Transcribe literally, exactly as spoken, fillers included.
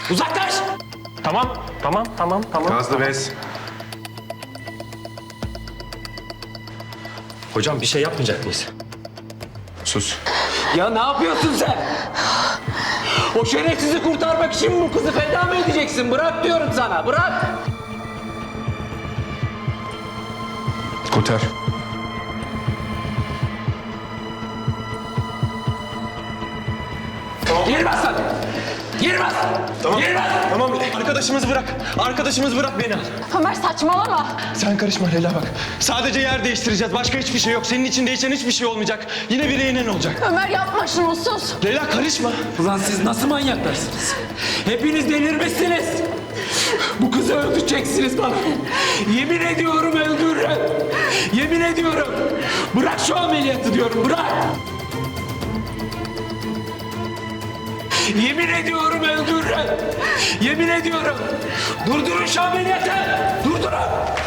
Uzaklaş! Tamam, tamam, tamam, tamam. Nazlı bez. Hocam bir şey yapmayacak mıyız? Sus. Ya ne yapıyorsun sen? O şerefsizi kurtarmak için bu kızı feda mı edeceksin? Bırak diyorum sana, bırak! Kurtar. Girmez sen! Girmez! Tamam, Girmez! tamam. Arkadaşımızı bırak. Arkadaşımızı bırak, beni al. Ömer saçmalama. Sen karışma Leyla bak. Sadece yer değiştireceğiz. Başka hiçbir şey yok. Senin için değişen hiçbir şey olmayacak. Yine bir reynen olacak. Ömer yapma şunu, sus. Leyla karışma. Ulan siz nasıl manyaklarsınız? Hepiniz delirmişsiniz. Bu kızı öldüreceksiniz bana. Yemin ediyorum öldürürüm. Yemin ediyorum. Bırak şu ameliyatı diyorum, bırak. Yemin ediyorum öldürürüm. Yemin ediyorum. Durdurun şu ameliyatı. Durdurun.